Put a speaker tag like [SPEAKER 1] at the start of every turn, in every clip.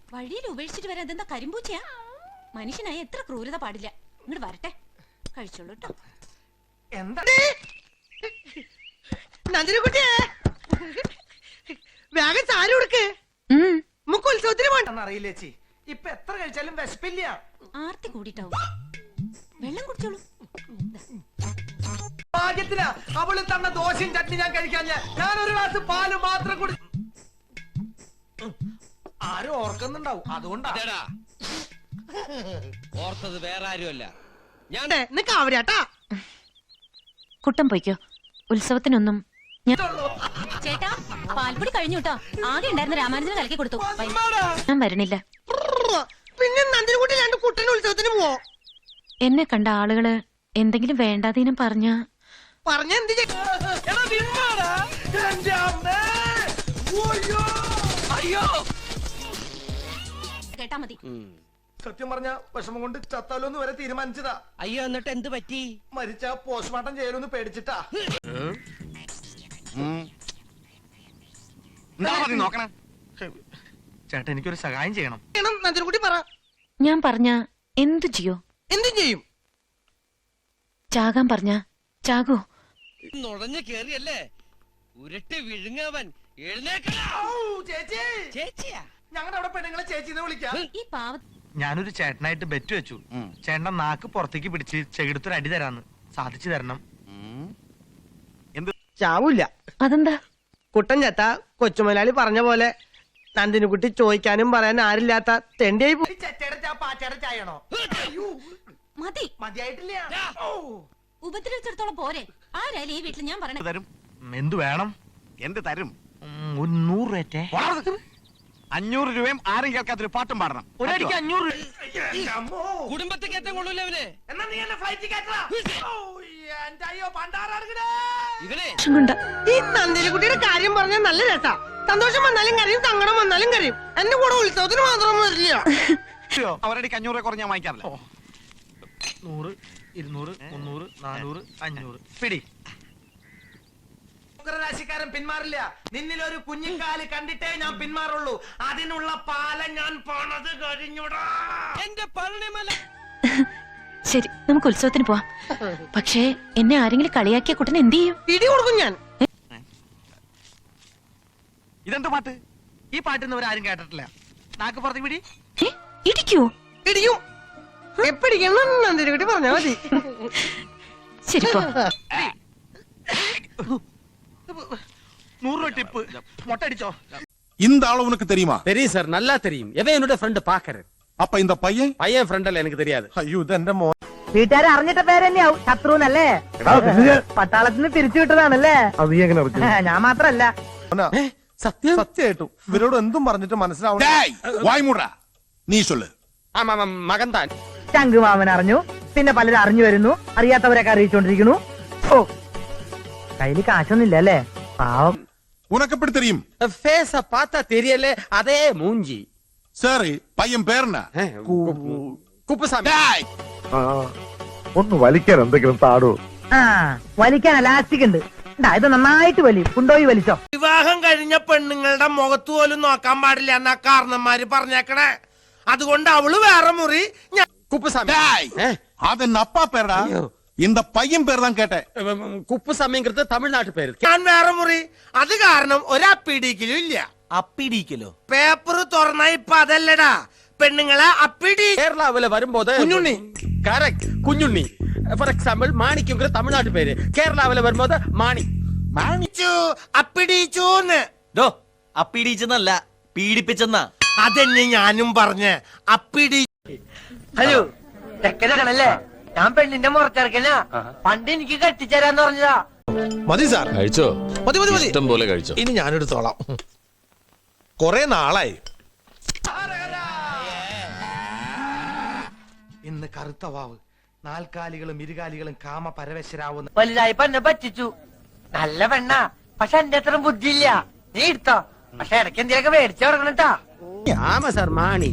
[SPEAKER 1] വഴിയിൽ ഉപേക്ഷിച്ചിട്ട് വരാൻ എന്താ കരിമ്പൂച്ചയാ? മനുഷ്യനായി എത്ര ക്രൂരത പാടില്ല. ഇങ്ങോട്ട് വരട്ടെ, കഴിച്ചോളൂ കേട്ടോ.
[SPEAKER 2] എന്താ നന്ദിനിക്കുട്ടിയെ വേഗം ചാരി കൊടുക്ക്. നമുക്ക് ഉത്സവത്തിന് പോകണ്ടെന്ന് അറിയില്ല ചേച്ചി. ഇപ്പൊ എത്ര കഴിച്ചാലും വിശപ്പില്ല.
[SPEAKER 1] ആർത്തി കൂടിട്ടാവും. വെള്ളം കുടിച്ചോളൂ.
[SPEAKER 2] ഭാഗ്യത്തിനാ അവള് തന്ന ദോശയും ചട്നി ഞാൻ കഴിക്കാൻ. ഞാൻ ഒരു ഗ്ലാസ് പാല് മാത്രം കുടി. ആരും ഓർക്കുന്നുണ്ടാവും, അതുകൊണ്ടാ.
[SPEAKER 3] ഓർത്തത് വേറെ ആരുമല്ല, ഞാൻ.
[SPEAKER 2] കാവരാട്ടാ
[SPEAKER 4] കുട്ടം പോയിക്കോ. ഉത്സവത്തിനൊന്നും
[SPEAKER 1] ചേട്ടാ, പാൽപ്പൊടി കഴിഞ്ഞു കേട്ടോ. ആകെ ഉണ്ടായിരുന്ന രാമാനുജന് കലക്കി കൊടുത്തു.
[SPEAKER 4] ഞാൻ വരണില്ല.
[SPEAKER 2] പിന്നെ നന്ദിനിക്കുട്ടി രണ്ട് കുട്ടന് ഉത്സവത്തിന് പോവോ?
[SPEAKER 4] എന്നെ കണ്ട ആളുകള് എന്തെങ്കിലും വേണ്ടാതീനം പറഞ്ഞ
[SPEAKER 2] എന്ത്
[SPEAKER 1] കേട്ടാ മതി.
[SPEAKER 2] സത്യം പറഞ്ഞ വിഷമം കൊണ്ട് ചത്താലോന്ന് വരെ തീരുമാനിച്ചതാ.
[SPEAKER 3] അയ്യോ, എന്നിട്ട് എന്ത് പറ്റി?
[SPEAKER 2] മരിച്ച പോസ്റ്റ്മോർട്ടം ചെയ്യലൊന്ന് പേടിച്ചിട്ടാ. ചേട്ടാ, എനിക്കൊരു സഹായം ചെയ്യണം. നന്ദിനിക്കുട്ടി പറ.
[SPEAKER 4] ഞാൻ പറഞ്ഞ എന്തു ചെയ്യോ?
[SPEAKER 2] എന്തും ചെയ്യും.
[SPEAKER 4] ചാകാൻ പറഞ്ഞ ചാകോ?
[SPEAKER 3] നുഴഞ്ഞു കേറിയല്ലേ ഉരുട്ടി വിഴുങ്ങവൻ. ചേച്ചിയാ?
[SPEAKER 2] ഞങ്ങളുടെ അവിടെ പെണ്ണുങ്ങളെ ചേച്ചിന്ന് വിളിക്കാം.
[SPEAKER 1] ഈ പാവ
[SPEAKER 2] ഞാനൊരു ചേട്ടനായിട്ട് ബെറ്റ് വെച്ചു. ചേട്ടന്റെ നാക്ക് പുറത്തേക്ക് പിടിച്ച് ചെകിടത്തൊരു അടി തരാന്ന്. സാധിച്ചു തരണം. ചാവൂല്ല.
[SPEAKER 4] അതെന്താ?
[SPEAKER 2] കുട്ടൻ ചത്ത കൊച്ചുമലയാളി പറഞ്ഞ പോലെ നന്ദിനിക്കുട്ടി ചോദിക്കാനും പറയാൻ ആരില്ലാത്ത തെണ്ടിയായി.
[SPEAKER 1] മതി.
[SPEAKER 2] മതിയായിട്ടില്ല.
[SPEAKER 1] ഉപദ്രവിച്ചിടത്തോളം പോരെ. ആരായാലും ഈ വീട്ടിൽ ഞാൻ പറഞ്ഞ
[SPEAKER 5] തരും.
[SPEAKER 2] എന്ത് വേണം?
[SPEAKER 5] എന്ത് തരും?
[SPEAKER 2] 100 രൂപ.
[SPEAKER 5] 500 രൂപയും ആരും കേൾക്കാത്തൊരു പാട്ടും പാടണം.
[SPEAKER 2] ഒരടിക്ക് 500.
[SPEAKER 3] കുടുംബത്തിൽ കയറ്റം കൊള്ളൂല അവന്. ഇവനെ
[SPEAKER 2] ഈ നന്ദിനിക്കുട്ടിയുടെ കാര്യം പറഞ്ഞാൽ നല്ല രസാ. സന്തോഷം വന്നാലും കരയും, സങ്കടം വന്നാലും കരയും. എന്റെ കൂടെ ഉത്സവത്തിന് മാത്രം വരില്ല.
[SPEAKER 5] അവരടിക്ക് 500 കുറഞ്ഞ വാങ്ങിക്കാറില്ല.
[SPEAKER 2] 100, 200, 300, 400, 500 പിടി. രാശിക്കാരൻ പിന്മാറില്ല. നിന്നിലൊരു കുഞ്ഞിക്കാല് കണ്ടിട്ടേ ഞാൻ പിന്മാറുള്ളൂ. അതിനുള്ള പാലം ഞാൻ പോണത് കഴിഞ്ഞുടാ.
[SPEAKER 3] എന്റെ പഴനിമല.
[SPEAKER 4] ശരി, നമുക്ക് ഉത്സവത്തിന് പോവാം. പക്ഷേ എന്നെ ആരെങ്കിലും കളിയാക്കിയ കുട്ടൻ എന്ത് ചെയ്യും?
[SPEAKER 2] ഇടി കൊടുക്കും ഞാൻ.
[SPEAKER 5] ഇതെന്ത് പാട്ട്?
[SPEAKER 2] ഈ പാട്ടിന്ന് അവരാരും കേട്ടിട്ടില്ല. നാക്ക് പുറത്തേക്ക് പിടി.
[SPEAKER 4] ഇടിക്കോ?
[SPEAKER 2] ഇടിയും. എപ്പിടിക്കണം നന്ദിനിക്കുട്ടി പറഞ്ഞാ മതി.
[SPEAKER 4] ശരി പോ.
[SPEAKER 2] 100 രൂപ ടിപ്പ്. மொட்டை அடிச்சோ.
[SPEAKER 6] இந்த ஆளு உனக்கு தெரியுமா?
[SPEAKER 7] தெரியும் சார், நல்லா தெரியும். எவன் என்னோட ஃப்ரெண்ட் பாக்குறேன்.
[SPEAKER 6] அப்ப இந்த பையன்
[SPEAKER 7] ஃப்ரெண்ட் அல்ல, எனக்கு தெரியாது.
[SPEAKER 6] ஐயோ ഇത് എന്റെ മോൻ.
[SPEAKER 8] വീട്ടുകാരെ അറിഞ്ഞിട്ട പേര് തന്നെയാവും ശത്രുന്നല്ലേ? പട്ടാളത്തിന് തിരിച്ചു വിട്ടതാണല്ലേ? ഞാൻ മാത്രല്ല.
[SPEAKER 6] സത്യമായിട്ടും ഇവരോട് എന്തും പറഞ്ഞിട്ട് മനസ്സിലാവണം. വായ്മൂടാ, നീ ചൊല്ല്.
[SPEAKER 7] മകൻ താൻ.
[SPEAKER 8] ശംഖുമാമൻ അറിഞ്ഞു, പിന്നെ പലരും അറിഞ്ഞു വരുന്നു, അറിയാത്തവരൊക്കെ അറിയിച്ചോണ്ടിരിക്കുന്നു. ഓ, കയ്യില് കാശൊന്നുമില്ല അല്ലേ? പാവം.
[SPEAKER 6] உனக்கு எப்படி தெரியும்?
[SPEAKER 7] ஃபேஸ பார்த்தா தெரியல, அதே மூஞ்சி.
[SPEAKER 6] சரி, பையன் பேர் என்ன?
[SPEAKER 7] കുപ്പുസ്വാമി.
[SPEAKER 6] ഒന്ന് വലിക്കാൻ എന്തെങ്കിലും താടോ.
[SPEAKER 8] ആ, വലിക്കാൻ എലാസ്റ്റിക് ഉണ്ട്. ഇത് നന്നായിട്ട് വലി. കൊണ്ടുപോയി വലിച്ചോ.
[SPEAKER 2] വിവാഹം കഴിഞ്ഞ പെണ്ണുങ്ങളുടെ മുഖത്ത് പോലും നോക്കാൻ പാടില്ല എന്നാ കാരണന്മാര് പറഞ്ഞേക്കണേ. അതുകൊണ്ട് അവള് വേറെ മുറി.
[SPEAKER 7] കുപ്പുസ്വാമി.
[SPEAKER 6] അതെന്നെ അപ്പാ പേരടാ. இந்த பையன் பேர் தான் கேட்டேன்.
[SPEAKER 7] കുപ്പുസ്വാമിங்கிறது തമിഴ്നാട്ട് പേര്.
[SPEAKER 2] ഞാൻ വേറെ മുറി. അത് കാരണം ഒരപ്പിടിക്കലും ഇല്ല.
[SPEAKER 3] അപ്പിടിക്കലോ?
[SPEAKER 2] പേപ്പർ തുറന്ന ഇപ്പൊ അതല്ലടാ, പെണ്ണുങ്ങളെ അപ്പിടി.
[SPEAKER 7] കേരളാവില് വരുമ്പോത്
[SPEAKER 2] Kunjunni.
[SPEAKER 7] Correct, Kunjunni. For example മാണിക്യங்கிற തമിഴ്നാട്ട് പേര്. കേരളാവില് വരുമ്പോത് മാണി.
[SPEAKER 2] മാണിച്ചു, അപ്പിടിച്ചൂന്ന്.
[SPEAKER 3] അപ്പിടിച്ചെന്നല്ല, പീഡിപ്പിച്ചെന്നാ.
[SPEAKER 2] അതെന്നെ ഞാനും പറഞ്ഞ്. അപ്പിടി.
[SPEAKER 8] ഹലോ, ചെക്കനാണല്ലേ? ഞാൻ പെണ്ണിന്റെ മുറച്ചിറക്കനാ. പണ്ട് എനിക്ക് കെട്ടിച്ചേരാന്ന് പറഞ്ഞതാ.
[SPEAKER 9] മതി സാർ,
[SPEAKER 10] കഴിച്ചോ?
[SPEAKER 9] മതി മതി മതി,
[SPEAKER 10] ഇഷ്ടം പോലെ കഴിച്ചോ.
[SPEAKER 9] ഇനി ഞാനെടുത്തോളാം. കൊറേ നാളായി.
[SPEAKER 2] ഇന്ന് കറുത്ത വാവ്. നാൽക്കാലികളും ഇരുകാലികളും കാമ പരവശരാവുന്ന.
[SPEAKER 8] വലുതായപ്പോ എന്നെ പറ്റിച്ചു. നല്ല പെണ്ണാ, പക്ഷെ എന്റെ അത്ര ബുദ്ധിയില്ല. നീ എടുത്തോ, പക്ഷെ ഇടയ്ക്ക് എന്തെങ്കിലുമൊക്കെ മേടിച്ചു കൊടുക്കണട്ടാ.
[SPEAKER 7] ஆமா சார், மாணி.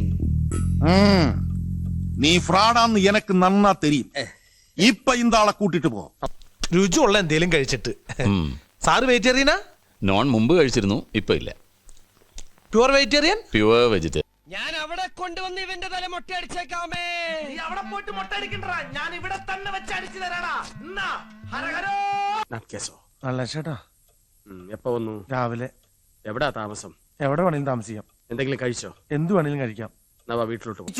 [SPEAKER 6] நீ ஃப்ராடான்னு எனக்கு நன்னா தெரியும். இப்ப இந்த ஆளை கூட்டிட்டு പോ.
[SPEAKER 9] രുചിയുള്ള എന്തേലും കഴിച്ചിട്ട്. സാറ് വെജിറ്റേറിയനാ?
[SPEAKER 10] നോൺ മുമ്പ് കഴിച്ചിരുന്നു, ഇപ്പൊ ഇല്ല.
[SPEAKER 9] Pure vegetarian?
[SPEAKER 10] Pure vegetarian.
[SPEAKER 3] ഞാൻ അവിടെ കൊണ്ടുവന്ന് ഇവന്റെ തല മൊട്ടയടിച്ചേക്കാമേ.
[SPEAKER 5] നീ അവിടെ പോയിട്ട് മൊട്ടടിക്കണ്ടാ, ഞാൻ ഇവിടെ തന്നെ വെച്ച് അടിച്ചു തരാടാ. എന്നാ ഹരഹരോ.
[SPEAKER 7] കേസോ
[SPEAKER 9] നല്ല ചേട്ടാ
[SPEAKER 7] എപ്പോ വന്നു?
[SPEAKER 9] രാവിലെ.
[SPEAKER 7] എവിടാ താമസം?
[SPEAKER 9] എവിടെ വേണേലും താമസിക്കാം,
[SPEAKER 7] എന്തെങ്കിലും കഴിച്ചോ?
[SPEAKER 9] എന്ത് വേണേലും കഴിക്കാം.
[SPEAKER 7] നവാ വീട്ടിലോട്ട് പോ.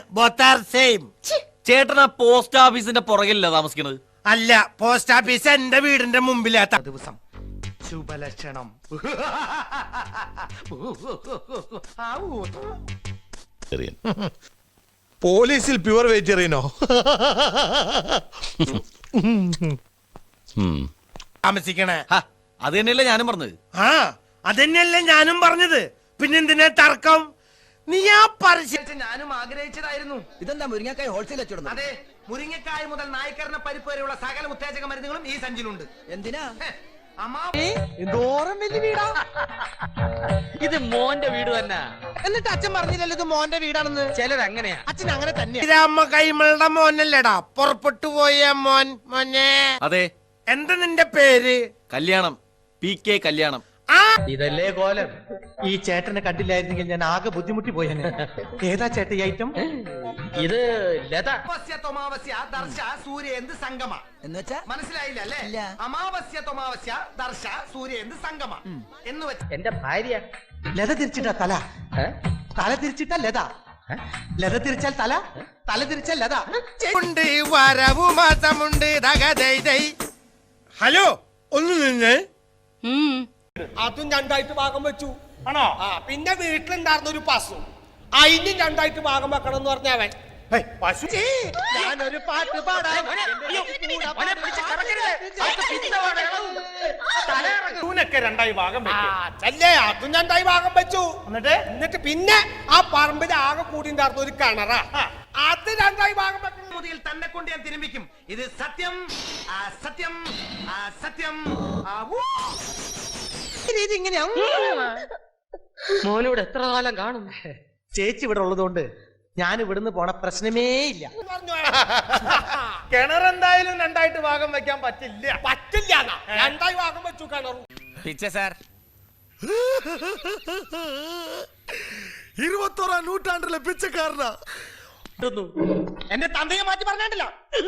[SPEAKER 3] ചേട്ടൻ ആ പോസ്റ്റ് ഓഫീസിന്റെ പുറകിലല്ല താമസിക്കണത്?
[SPEAKER 5] അല്ല, പോസ്റ്റ് ഓഫീസ് എന്റെ വീടിന്റെ മുമ്പിലാത്ത ദിവസം. ശുഭലക്ഷണം.
[SPEAKER 9] പോലീസിൽ പ്യുവർ വെജിറ്റേറിയനോ?
[SPEAKER 5] താമസിക്കണേ.
[SPEAKER 3] അത് തന്നെയല്ലേ ഞാനും പറഞ്ഞത്.
[SPEAKER 5] ആ അതന്നെയല്ലേ ഞാനും പറഞ്ഞത്. പിന്നെന്തിനാ തർക്കം? നീ ആ പരസ്യം ഞാനും ആഗ്രഹിച്ചതായിരുന്നു.
[SPEAKER 3] ഇതെന്താ മുരിങ്ങക്കായ ഹോൾസെയിൽ വെച്ചോടുന്നത്?
[SPEAKER 5] അതെ, മുരിങ്ങക്കായ മുതൽ നായ്ക്കറിന പരിപ്പ് വരെയുള്ള സകല ഉത്തേജക മരുന്നുകളും ഈ സഞ്ചിലുണ്ട്.
[SPEAKER 3] എന്തിനാ?
[SPEAKER 2] എന്തോരം വലിയ വീടാ.
[SPEAKER 7] ഇത് മോന്റെ വീട് തന്നെ.
[SPEAKER 2] എന്നിട്ട് അച്ഛൻ പറഞ്ഞില്ലല്ലോ ഇത് മോന്റെ വീടാണെന്ന്.
[SPEAKER 7] ചിലരങ്ങനെയാ.
[SPEAKER 2] അച്ഛൻ അങ്ങനെ തന്നെയാ.
[SPEAKER 5] രാമ കൈമളുടെ മോനല്ലേടാ പുറപ്പെട്ടു പോയ മോൻ. മോനെ,
[SPEAKER 3] അതെ.
[SPEAKER 5] എന്താ നിന്റെ പേര്?
[SPEAKER 3] കല്യാണം. PK കല്യാണം.
[SPEAKER 7] ഇതല്ലേ കോലം.
[SPEAKER 8] ഈ ചേട്ടനെ കണ്ടില്ലായിരുന്നെങ്കിൽ ഞാൻ ആകെ ബുദ്ധിമുട്ടി പോയേനെ. ഏതാ ചേട്ട ഈ ഐറ്റം?
[SPEAKER 7] ഇത് ലത.
[SPEAKER 5] അമാവാസ്യ തൊമാവാസ്യ ദർശ സൂര്യേന്ത് സംഗമ
[SPEAKER 3] എന്നുവെച്ചാ
[SPEAKER 5] മനസ്സിലായില്ല അല്ലേ? അമാവാസ്യ തൊമാവാസ്യ ദർശ സൂര്യേന്ത് സംഗമ എന്ന് വെച്ച്
[SPEAKER 7] എന്റെ ഭാര്യ.
[SPEAKER 8] ലത തിരിച്ചിട്ടാ തല, തല തിരിച്ചിട്ടാ ലത, ലത തിരിച്ചാൽ തല, തല തിരിച്ചാൽ ലത.
[SPEAKER 5] ഉണ്ട് വരവു മാസമുണ്ട്. ഹലോ, ഒന്ന് നിന്ന്.
[SPEAKER 7] അതും രണ്ടായിട്ട് ഭാഗം വെച്ചു. ആണോ? ആ, പിന്നെ വീട്ടിലുണ്ടായിരുന്ന ഒരു പശു, അതിനും രണ്ടായിട്ട് ഭാഗം വെക്കണം എന്ന് പറഞ്ഞവൻ.
[SPEAKER 5] പശു
[SPEAKER 8] ഞാനൊരു പാട്ട് പാടാം.
[SPEAKER 5] ൂനൊക്കെ രണ്ടായി ഭാഗം
[SPEAKER 7] അല്ലേ? അതും രണ്ടായി ഭാഗം വെച്ചു. എന്നിട്ട് പിന്നെ ആ പറമ്പിൽ ആകെ കൂടി ഉണ്ടായിരുന്ന ഒരു കിണറാ, അത് രണ്ടായി ഭാഗം വെക്കണം.
[SPEAKER 5] മുതിയിൽ തന്നെ കൊണ്ട് ഞാൻ തിരുമ്പിക്കും. ഇത് സത്യം, സത്യം, സത്യം.
[SPEAKER 2] ഇത് ഇങ്ങനെയാ.
[SPEAKER 7] മോനോട് എത്ര കാലം കാണും?
[SPEAKER 8] ചേച്ചി ഇവിടെ ഉള്ളതുകൊണ്ട് ഞാൻ ഇവിടുന്ന് പോണ പ്രശ്നമേ ഇല്ല.
[SPEAKER 5] കിണർ എന്തായാലും രണ്ടായിട്ട് ഭാഗം വെക്കാൻ പറ്റില്ല.
[SPEAKER 7] പറ്റില്ല, രണ്ടായി ഭാഗം വെച്ചു കിണറും.
[SPEAKER 3] പിച്ച സാർ.
[SPEAKER 6] 21-ാം നൂറ്റാണ്ടിലെ പിച്ചക്കാരനാ.
[SPEAKER 8] എന്റെ തന്തയെ മാറ്റി പറഞ്ഞിട്ടില്ല.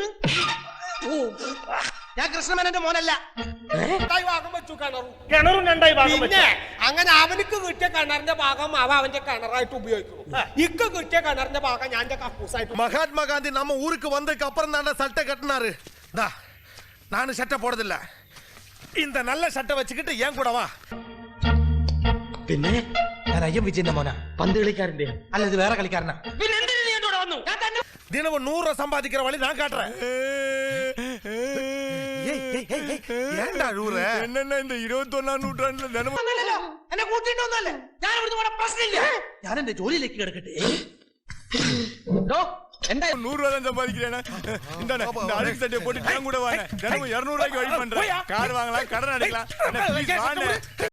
[SPEAKER 8] ഞാൻ കൃഷ്ണമേനന്റെ മോനല്ല.
[SPEAKER 7] രണ്ടായി ഭാഗം വെച്ചു കിണറും.
[SPEAKER 5] കിണറും രണ്ടായി ഭാഗം
[SPEAKER 7] പിന്നെ അങ്ങനെ അവനക്ക് കിട്ടിയ കിണറിന്റെ ഭാഗം അവന്റെ കിണറായിട്ട് ഉപയോഗിക്കുന്നു. ഇക്ക് കിട്ടിയ കിണറിന്റെ ഭാഗം ഞാൻ കക്കൂസായിട്ട്.
[SPEAKER 6] மகாத்மா நம்ம ஊருக்கு வந்ததுக்கு அப்புறம் தான் சட்டை கட்டினாரு. நானும் சட்டை போடுறதில்ல. இந்த நல்ல சட்டை வச்சுக்கிட்டு ஏன் கூட வா.
[SPEAKER 8] പിന്നെ ഞാൻ അയ്യം വിജയന്റെ മോനാ.
[SPEAKER 7] പന്ത് കളിക്കാരന്റെ.
[SPEAKER 8] അല്ല, ഇത് വേറെ കളിക്കാരനാ.
[SPEAKER 7] പിന്നെ എന്തിനാ നീ എന്നോട് വന്നു?
[SPEAKER 6] தினமும் 100 ரூபா சம்பாதிக்கிற வழி நான் காட்டுறேன். ஏன்டா அழுவுற? என்னன்னா இந்த 21-ാം നൂറ്റാണ്ടിലെ தினமும்
[SPEAKER 8] എന്നെ കൂട്ടിട്ടൊന്നല്ലേ. ഞാൻ ഇവിടുന്ന് പോണ പ്രശ്നമില്ല. ഞാൻ എന്റെ ജോലിയിലേക്ക് കിടക്കട്ടെ.
[SPEAKER 6] 100 ரூபா தான் சம்பாதிக்கிறேன். இந்த அழுக்கு சட்டையை போட்டு நான் கூட வாங்க. தினமும் 200 ரூபாய்க்கு வழி பண்றேன். கார் வாங்கலாம், கடன் அடைக்கலாம்.